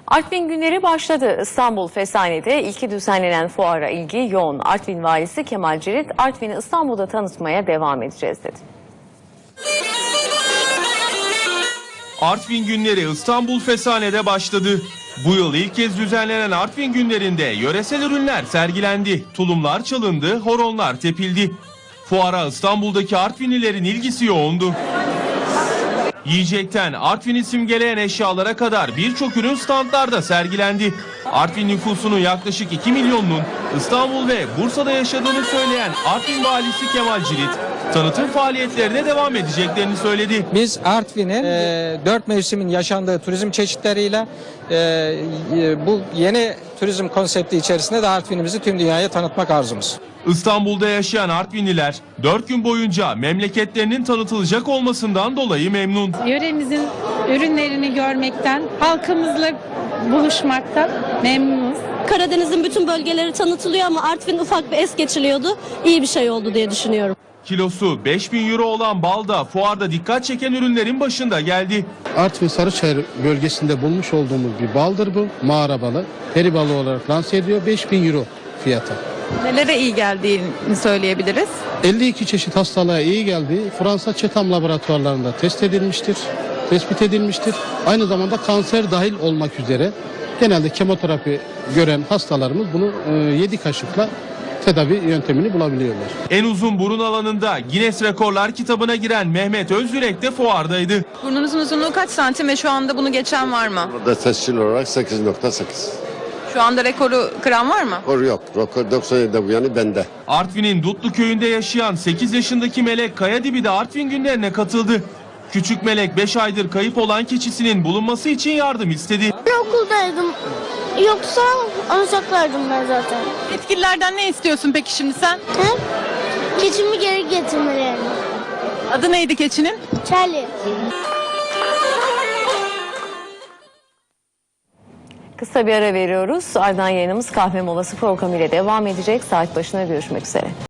Artvin günleri başladı. İstanbul Fesane'de ilki düzenlenen fuara ilgi yoğun. Artvin valisi Kemal Cirit, Artvin'i İstanbul'da tanıtmaya devam edeceğiz dedi. Artvin günleri İstanbul Fesane'de başladı. Bu yıl ilk kez düzenlenen Artvin günlerinde yöresel ürünler sergilendi. Tulumlar çalındı, horonlar tepildi. Fuara İstanbul'daki Artvinlilerin ilgisi yoğundu. Yiyecekten Artvin'i simgeleyen eşyalara kadar birçok ürün standlarda sergilendi. Artvin nüfusunun yaklaşık 2 milyonunun İstanbul ve Bursa'da yaşadığını söyleyen Artvin valisi Kemal Cirit, tanıtım faaliyetlerine devam edeceklerini söyledi. Biz Artvin'in 4 mevsimin yaşandığı turizm çeşitleriyle bu yeni turizm konsepti içerisinde de Artvin'imizi tüm dünyaya tanıtmak arzumuz. İstanbul'da yaşayan Artvinliler 4 gün boyunca memleketlerinin tanıtılacak olmasından dolayı memnun. Yöremizin ürünlerini görmekten, halkımızla buluşmaktan memnunuz. Karadeniz'in bütün bölgeleri tanıtılıyor ama Artvin ufak bir es geçiliyordu. İyi bir şey oldu diye düşünüyorum. Kilosu 5.000 euro olan bal da fuarda dikkat çeken ürünlerin başında geldi. Artvin Sarıçayır bölgesinde bulmuş olduğumuz bir baldır bu. Mağara balı. Peri balı olarak lanse ediyor. 5.000 euro fiyatı. Nelere iyi geldiğini söyleyebiliriz? 52 çeşit hastalığa iyi geldiği Fransa Çetam laboratuvarlarında tespit edilmiştir. Aynı zamanda kanser dahil olmak üzere genelde kemoterapi gören hastalarımız bunu 7 kaşıkla tedavi yöntemini bulabiliyorlar. En uzun burun alanında Guinness Rekorlar kitabına giren Mehmet Özyürek de fuardaydı. Burnunuzun uzunluğu kaç santim ve şu anda bunu geçen var mı? Burada tescil olarak 8.8. Şu anda rekoru kıran var mı? Rekor yok. Rekor 97'de bu yani bende. Artvin'in Dutlu köyünde yaşayan 8 yaşındaki Melek Kayadibi de Artvin günlerine katıldı. Küçük Melek 5 aydır kayıp olan keçisinin bulunması için yardım istedi. Okuldaydım. Yoksa alacaklardım ben zaten. Yetkililerden ne istiyorsun peki şimdi sen? He? Keçimi geri getirmelerini. Adı neydi keçinin? Charlie. Kısa bir ara veriyoruz. Ardından yayınımız kahve molası programı ile devam edecek. Saat başına görüşmek üzere.